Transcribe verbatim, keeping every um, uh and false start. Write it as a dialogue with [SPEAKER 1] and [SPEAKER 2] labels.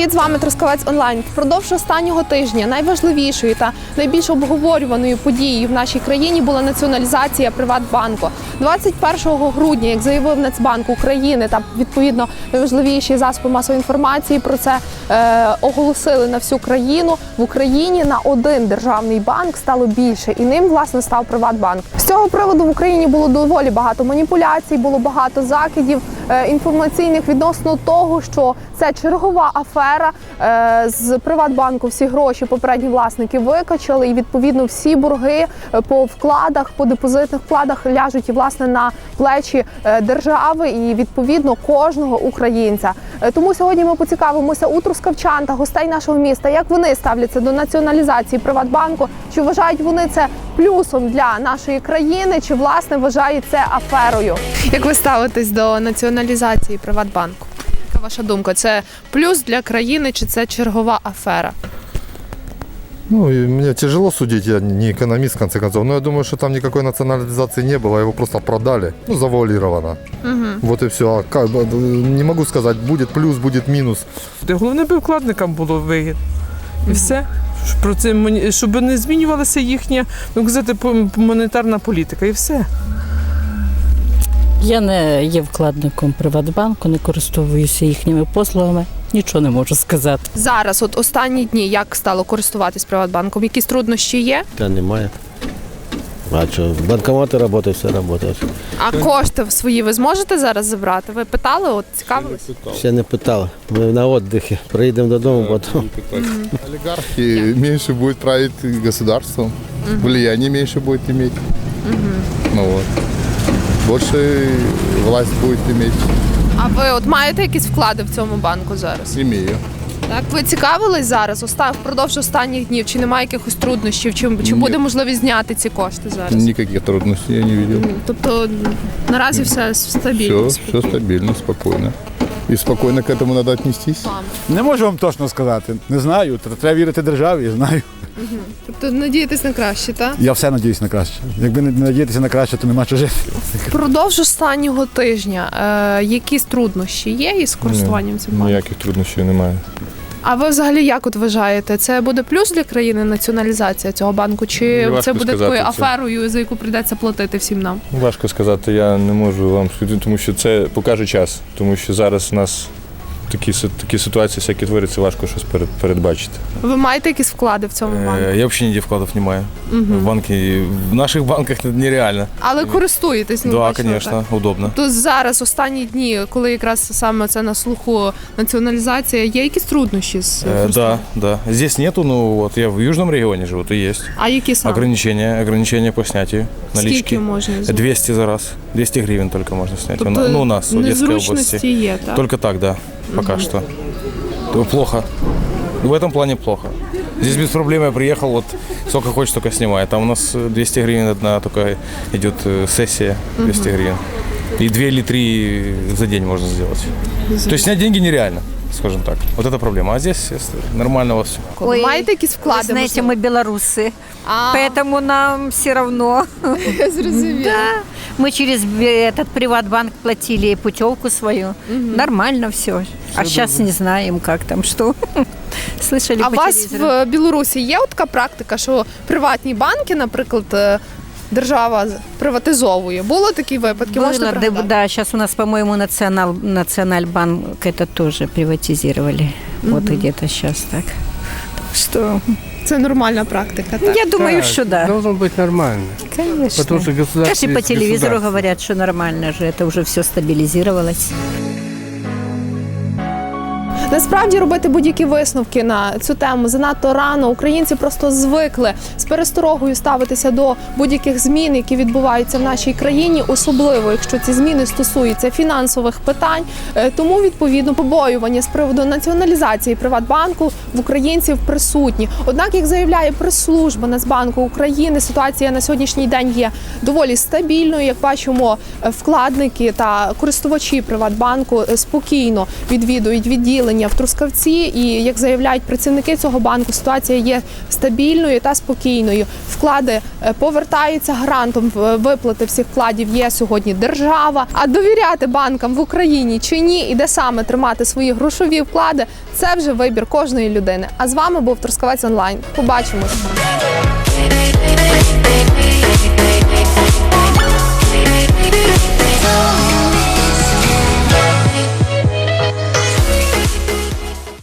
[SPEAKER 1] Привіт, з вами Трускавець онлайн. Впродовж останнього тижня найважливішою та найбільш обговорюваною подією в нашій країні була націоналізація Приватбанку. двадцять першого грудня, як заявив Нацбанк України та відповідно найважливіші засоби масової інформації про це е, оголосили на всю країну. В Україні на один державний банк стало більше, і ним власне став Приватбанк. З цього приводу в Україні було доволі багато маніпуляцій, було багато закидів е, інформаційних відносно того, що це чергова афера. Е, з Приватбанку всі гроші попередні власники викачали, і відповідно всі борги по вкладах, по депозитних вкладах ляжуть і власне на плечі е, держави і відповідно кожного українця. Е, тому сьогодні ми поцікавимося у трускавчан та гостей нашого міста, як вони ставляться до націоналізації Приватбанку, чи вважають вони це плюсом для нашої країни, чи власне вважають це аферою. Як ви ставитесь до націоналізації Приватбанку? Яка ваша думка? Це плюс для країни, чи це чергова афера?
[SPEAKER 2] Ну, и мне тяжело судить, я не экономист, в конце концов, но я думаю, что там никакой национализации не было, его просто продали, ну, завуалировано. Угу. Вот и все. А как, не могу сказать, будет плюс, будет минус.
[SPEAKER 3] Головне, би вкладникам було вигідно. І все. Про це, щоб не змінювалася їхня, ну, казати, монетарна політика, і все.
[SPEAKER 4] Я не є вкладником Приватбанку, не користуюся їхніми послугами, нічого не можу сказати.
[SPEAKER 1] Зараз, от останні дні, як стало користуватись Приватбанком? Якісь труднощі є?
[SPEAKER 5] Та немає. А що, банкомати працюють, все працює.
[SPEAKER 1] А кошти свої ви зможете зараз забрати? Ви питали, от цікавились?
[SPEAKER 5] Ще не питали. Ми на відпочинку. Приїдемо додому, потім.
[SPEAKER 2] Олигархи меньше будет править государством, влияние меньше будет иметь. Ну вот. Больше власть будет иметь.
[SPEAKER 1] А ви от маєте якісь вклади в цьому банку зараз?
[SPEAKER 2] Имею.
[SPEAKER 1] Так, ви цікавились зараз, оста- впродовж останніх днів, чи немає якихось труднощів, чи, чи
[SPEAKER 2] Ні.
[SPEAKER 1] буде можливість зняти ці кошти зараз?
[SPEAKER 2] Никаких трудностей я не видел.
[SPEAKER 1] Тобто наразі все стабільно?
[SPEAKER 2] Все, все стабильно, спокойно. И спокойно к этому надо отнестись.
[SPEAKER 6] Не можу вам точно сказати. Не знаю. Треба вірити державі, знаю.
[SPEAKER 1] Тобто надіятись на краще, так?
[SPEAKER 6] Я все надіюсь на краще. Якби не надіятися на краще, то нема що жити.
[SPEAKER 1] Впродовж останнього тижня е, якісь труднощі є із користуванням цим банком?
[SPEAKER 7] Ніяких труднощів немає.
[SPEAKER 1] А ви взагалі як от вважаєте, це буде плюс для країни націоналізація цього банку, чи
[SPEAKER 7] Важко
[SPEAKER 1] це буде
[SPEAKER 7] сказати
[SPEAKER 1] такою
[SPEAKER 7] це.
[SPEAKER 1] аферою, за яку прийдеться платити всім нам?
[SPEAKER 7] Важко сказати, я не можу вам сказати, тому що це покаже час. Тому що зараз у нас такі, си- такі ситуації, всякі творяться, важко щось перед- передбачити.
[SPEAKER 1] Ви маєте якісь вклади в цьому банку?
[SPEAKER 8] Э, Я вообще нигде вкладов не маю. В банке, в наших банках это нереально.
[SPEAKER 1] Але користуєтесь? Ну,
[SPEAKER 8] Да,
[SPEAKER 1] бачила,
[SPEAKER 8] конечно,
[SPEAKER 1] так.
[SPEAKER 8] удобно.
[SPEAKER 1] То зараз, останні дні, коли якраз саме це на слуху націоналізація, є якісь труднощі з
[SPEAKER 8] Э, Да,
[SPEAKER 1] користуванням?
[SPEAKER 8] да. Здесь нету, но вот я в южном регионе живу, то есть.
[SPEAKER 1] А які саме?
[SPEAKER 8] Ограничения, ограничения по снятию налички.
[SPEAKER 1] Скільки можна зняти?
[SPEAKER 8] двести за раз. двести гривен только можно снять.
[SPEAKER 1] Тобто
[SPEAKER 8] У- ну, у нас, в Одесской
[SPEAKER 1] незручності
[SPEAKER 8] области.
[SPEAKER 1] є, так?
[SPEAKER 8] Только так, да, пока что. То плохо. В этом плане плохо. Здесь без проблем я приехал, вот сколько хочешь, столько снимай. Там у нас двести гривен одна только идет э, сессия, двести гривен. И две или три за день можно сделать. То есть снять деньги нереально, скажем так. Вот это проблема. А здесь э, нормально во всем.
[SPEAKER 1] Ви маєте якісь
[SPEAKER 9] Вы
[SPEAKER 1] вклади?
[SPEAKER 9] знаете,
[SPEAKER 1] можливо?
[SPEAKER 9] мы белорусы,
[SPEAKER 1] А,
[SPEAKER 9] поэтому нам все равно.
[SPEAKER 1] зрозуміло.
[SPEAKER 9] Да, мы через бе- этот Приватбанк платили путевку свою. Нормально все. А сейчас не знаем, как там, что. Слышали
[SPEAKER 1] А у
[SPEAKER 9] по
[SPEAKER 1] вас
[SPEAKER 9] телевизору?
[SPEAKER 1] в Білорусі є от така практика, що приватні банки, наприклад, е, держава приватизовує? Було такі випадки? Можете
[SPEAKER 9] Было, да,
[SPEAKER 1] пригадати?
[SPEAKER 9] да, сейчас у нас, по-моему, национал, Национальбанк это тоже приватизировали. Вот где-то сейчас так. Так что,
[SPEAKER 1] Це нормальна практика, так?
[SPEAKER 9] я думаю, что да.
[SPEAKER 10] Должно быть нормально.
[SPEAKER 9] Конечно.
[SPEAKER 10] Потому что государство
[SPEAKER 9] Даже по
[SPEAKER 10] есть
[SPEAKER 9] телевизору
[SPEAKER 10] государство.
[SPEAKER 9] говорят, что нормально же, это уже все стабилизировалось.
[SPEAKER 1] Насправді робити будь-які висновки на цю тему занадто рано. Українці просто звикли з пересторогою ставитися до будь-яких змін, які відбуваються в нашій країні, особливо якщо ці зміни стосуються фінансових питань. Е, Тому відповідно побоювання з приводу націоналізації Приватбанку в українців присутні. Однак, як заявляє прес-служба Нацбанку України, ситуація на сьогоднішній день є доволі стабільною. Як бачимо, е, вкладники та користувачі Приватбанку е, спокійно відвідують відділення обслуговування в Трускавці, і, як заявляють працівники цього банку, ситуація є стабільною та спокійною. Вклади е, повертаються, гарантом в- виплати всіх вкладів є сьогодні держава. А довіряти банкам в Україні чи ні, і де саме тримати свої грошові вклади, це вже вибір кожної людини. А з вами був Трускавець онлайн. Побачимось.